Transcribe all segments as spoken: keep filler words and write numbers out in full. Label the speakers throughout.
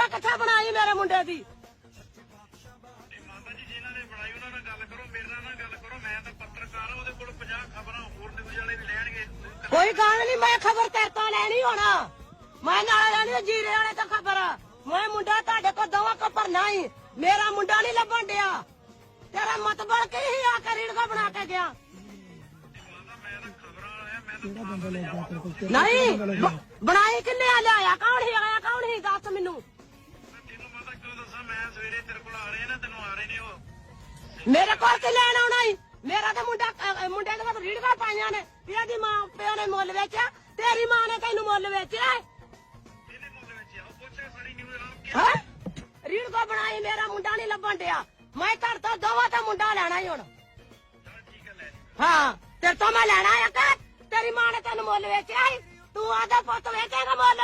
Speaker 1: Video ਕਿੱਥੇ ਬਣਾਈ ਮੇਰੇ ਮੁੰਡੇ ਦੀ?
Speaker 2: ਮਾਤਾ ਜੀ ਜਿਨ੍ਹਾਂ ਨੇ ਬਣਾਈ ਉਹਨਾਂ ਨਾਲ ਗੱਲ ਕਰੋ, ਮੇਰੇ ਨਾਲ ਗੱਲ ਕਰੋ। ਮੈਂ ਤਾਂ ਪੱਤਰਕਾਰ ਹਾਂ, ਉਹਦੇ ਕੋਲ ਪੰਜਾਹ ਖਬਰਾਂ ਹੋਰ ਨਿਊਜ਼ ਵਾਲੇ ਵੀ ਲੈਣਗੇ।
Speaker 1: ਕੋਈ ਗੱਲ ਨਹੀਂ, ਮੈਂ ਖਬਰ ਤੇਰੇ ਤੋਂ ਲੈਣੀ ਹੋਣਾ। ਮੈਂ ਨਾਲ ਲੈਣੀ ਜੀਰੇ ਵਾਲੇ ਤੋਂ ਖਬਰ। ਮੈਂ ਮੁੰਡਾ ਤੁਹਾਡੇ ਕੋਲ ਦੋਵਾਂ ਕੋ ਭਰਨਾ ਹੀ, ਮੇਰਾ ਮੁੰਡਾ ਨਹੀਂ ਲੱਭਣ ਡਿਆ। ਤੇਰਾ ਮਤਬਲ ਕੀ ਹੀ ਆ ਕੇ ਰੀੜਕਾ ਬਣਾ ਕੇ ਗਿਆ? ਨਹੀਂ ਬਣਾਈ ਕਿੰਨੇ ਆ ਲਿਆਇਆ? ਕੌਣ ਹੀ ਆਇਆ? ਕੌਣ ਹੀ ਦੱਸ ਮੈਨੂੰ।
Speaker 2: ਤੈਨੂੰ ਪਤਾ ਕਿਉਂ ਦੱਸਾਂ? ਮੈਂ ਸਵੇਰੇ ਤੇਰੇ ਕੋਲ ਆ ਰਹੇ ਨਾ, ਤੈਨੂੰ ਆ ਰਹੇ ਨੇ ਉਹ।
Speaker 1: ਮੇਰੇ ਕੋਲ ਕੀ ਲੈਣ ਆਉਣਾ ਹੀ? ਮੇਰਾ ਤਾਂ ਮੁੰਡਾ ਮੁੰਡੇ ਦੇ ਵਿੱਚ ਰੀੜਕਾ ਪਾਈਆਂ ਨੇ। ਇਹਦੀ ਮਾਂ ਪਿਓ ਨੇ ਮੁੱਲ ਵੇਚਿਆ, ਤੇਰੀ ਮਾਂ ਨੇ ਤੈਨੂੰ ਮੁੱਲ ਵੇਚਿਆ।
Speaker 2: ਇਹਦੇ ਮੁੱਲ ਵੇਚਿਆ ਉਹ ਪੁੱਛਿਆ ਸਾਰੀ ਨਿਊਜ਼ ਰਾਮ
Speaker 1: ਹਾਂ ਰੀੜਕਾ ਬਣਾਈ, ਮੇਰਾ ਮੁੰਡਾ ਨਹੀਂ ਲੱਭਣ ਡਿਆ। ਮੈਂ ਘਰ ਤੋਂ ਦੋਵਾਂ ਤਾਂ ਮੁੰਡਾ ਲੈਣਾ ਹੀ ਹੁਣ।
Speaker 2: ਠੀਕ ਹੈ ਲੈ।
Speaker 1: ਹਾਂ ਤੇਰੇ ਤੋਂ ਮੈਂ ਲੈਣਾ ਆ ਕਿ ਤੇਰੀ ਮਾਂ ਨੇ ਤੈਨੂੰ ਮੁੱਲ ਵੇਚਿਆ ਸੀ? ਤੂੰ ਆਦਾ ਪੁੱਤ ਵੇਚੇਗਾ ਮੁੱਲ?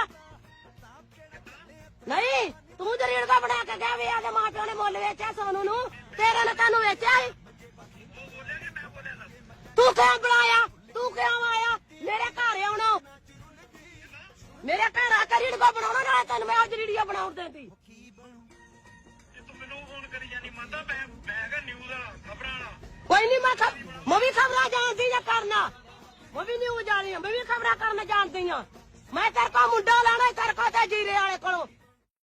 Speaker 1: ਨਹੀਂ ਤੂੰ ਤੇ ਰੀੜਕਾ ਬਣਾ ਕੇ ਗਿਆ ਵੀ ਆਦੇ ਮਾਂ ਪਿਓ ਨੇ ਮੁੱਲ ਵੇਚਿਆ ਸੋਨੂੰ ਨੂੰ, ਤੇਰੇ ਨੇ ਤੈਨੂੰ ਵੇਚਿਆ ਸੀ? ਤੂੰ ਕਿਉਂ ਬਣਾਇਆ? ਤੂੰ ਕਿਉਂ ਆਇਆ ਮੇਰੇ ਘਰ ਆਉਣਾ? ਮੇਰੇ ਘਰ ਆ ਕੇ ਰੀੜਕਾ ਬਣਾਉਣਾ ਨਾ, ਤੈਨੂੰ ਮੈਂ ਅੱਜ ਰੀੜੀਆ ਬਣਾਉਣ ਦੇਂਦੀ।
Speaker 2: ਤੂੰ ਮੈਨੂੰ ਫੋਨ ਕਰੀ ਜਾਨੀ ਮੰਨਦਾ? ਮੈਂ ਮੈਂ ਹੈਗਾ ਨਿਊਜ਼ ਵਾਲਾ, ਖਬਰਾਂ ਵਾਲਾ।
Speaker 1: ਕੋਈ ਨਹੀਂ ਮੈਂ ਮੈਂ ਵੀ ਖਬਰਾਂ ਜਾਣਦੀ ਆ ਕਰਨਾ, ਮੈਂ ਵੀ ਨਿਊਜ਼ ਜਾਣੀ ਆ, ਮੈਂ ਵੀ ਖਬਰਾਂ ਕਰਨ ਜਾਣਦੀ ਆ। ਮੈਂ ਤੇਰੇ ਕੋਲ ਮੁੰਡਾ ਲੈਣਾ, ਤੇਰੇ ਕੋਲ ਤੇ ਜੀਰੇ ਵਾਲੇ ਕੋਲੋਂ।